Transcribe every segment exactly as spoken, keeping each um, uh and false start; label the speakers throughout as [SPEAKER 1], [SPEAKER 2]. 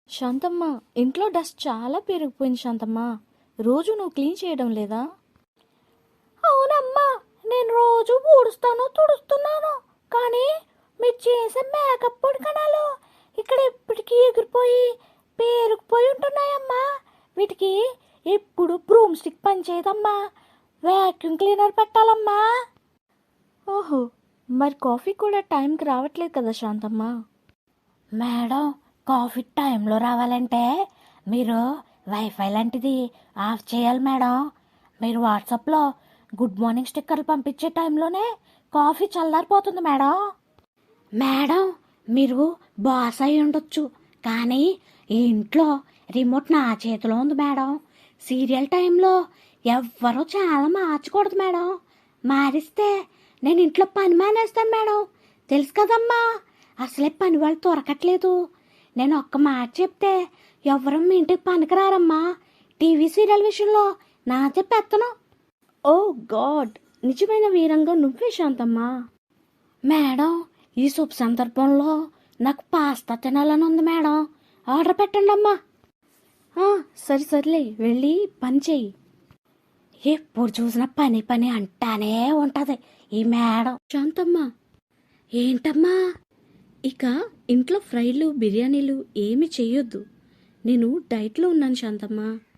[SPEAKER 1] శాంతమ్మ, ఇంట్లో డస్ట్ చాలా పెరిగిపోయింది శాంతమ్మ. రోజు నువ్వు క్లీన్ చేయడం లేదా?
[SPEAKER 2] అవునమ్మా, నేను రోజు ఊడుస్తాను తుడుస్తున్నాను. కానీ మీరు చేసే మేకప్ పొడికణాలు ఇక్కడ ఎప్పటికీ ఎగిరిపోయి పేరుకుపోయి ఉంటున్నాయమ్మా. వీటికి ఎప్పుడు బ్రూమ్ స్టిక్ పనిచేయదమ్మా. వ్యాక్యూమ్ క్లీనర్ పెట్టాలమ్మా.
[SPEAKER 1] ఓహో, మరి కాఫీ కూడా టైంకి రావట్లేదు కదా శాంతమ్మ?
[SPEAKER 2] మేడం, కాఫీ టైంలో రావాలంటే మీరు వైఫై లాంటిది ఆఫ్ చేయాలి మేడం. మీరు వాట్సాప్లో గుడ్ మార్నింగ్ స్టిక్కర్లు పంపించే టైంలోనే కాఫీ చల్లారిపోతుంది మేడం. మేడం, మీరు బాస్ అయి ఉండొచ్చు, కానీ ఈ ఇంట్లో రిమోట్ నా చేతిలో ఉంది మేడం. సీరియల్ టైంలో ఎవ్వరూ చాలా మార్చకూడదు మేడం. మారిస్తే నేను ఇంట్లో పని మానేస్తాను మేడం. తెలుసు కదమ్మా, అసలే పని వాళ్ళు దొరకట్లేదు. నేను ఒక్క మాట చెప్తే ఎవరు మీ ఇంటికి పనికిరారమ్మా. టీవీ సీరియల్ విషయంలో నాదే పెత్తనం.
[SPEAKER 1] ఓ గాడ్, నిజమైన వీరంగా నువ్వే శాంతమ్మ.
[SPEAKER 2] మేడం, ఈ శుభ సందర్భంలో నాకు పాస్తా తినాలని ఉంది మేడం. ఆర్డర్ పెట్టండి అమ్మా.
[SPEAKER 1] ఆ, సరే సర్లే, వెళ్ళి పని చెయ్యి.
[SPEAKER 2] ఎప్పుడు చూసినా పని పని అంటానే ఉంటుంది ఈ మేడం.
[SPEAKER 1] శాంతమ్మ,
[SPEAKER 2] ఏంటమ్మా?
[SPEAKER 1] ఇక ఇంట్లో ఫ్రైలు బిర్యానీలు ఏమి చెయ్యొద్దు. నేను డైట్లో ఉన్నాను శాంతమ్మ.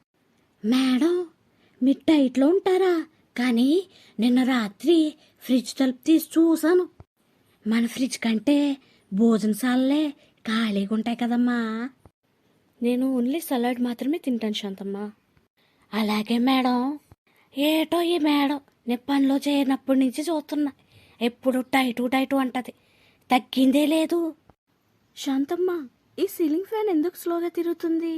[SPEAKER 2] మేడం, మీరు డైట్లో ఉంటారా? కానీ నిన్న రాత్రి ఫ్రిడ్జ్ తలుపు తీసి చూశాను. మన ఫ్రిడ్జ్ కంటే భోజనశాలలే ఖాళీగా ఉంటాయి కదమ్మా.
[SPEAKER 1] నేను ఓన్లీ సలాడ్ మాత్రమే తింటాను శాంతమ్మ.
[SPEAKER 2] అలాగే మేడం. ఏటో ఈ మేడం నేను పనిలో చేరినప్పటి నుంచి చూస్తున్నా, ఎప్పుడు టైటు టైటు అంటది, తగ్గిందే లేదు.
[SPEAKER 1] శాంతమ్మ, ఈ సీలింగ్ ఫ్యాన్ ఎందుకు స్లోగా తిరుగుతుంది?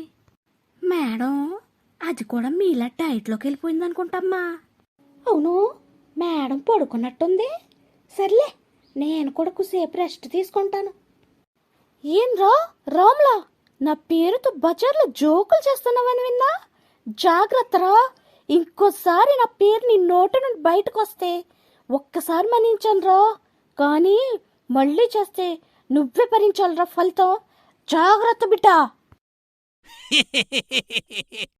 [SPEAKER 2] మేడం, అది కూడా మీలా డైట్లోకి వెళ్ళిపోయింది అనుకుంటమ్మా. అవును, మేడం పడుకున్నట్టుంది. సర్లే, నేను కూడా కొద్దిసేపు రెస్ట్ తీసుకుంటాను.
[SPEAKER 1] ఏం రా రామ్లా, నా పేరుతో బజార్లో జోకులు చేస్తున్నావని విన్నా. జాగ్రత్తరా, ఇంకోసారి నా పేరు నీ నోటి నుండి బయటకు వస్తే ఒక్కసారి మన్నించాను రా, కానీ మళ్ళీ చేస్తే నువ్వే భరించాలిరా ఫలితం. జాగ్రత్త బిడ్డా.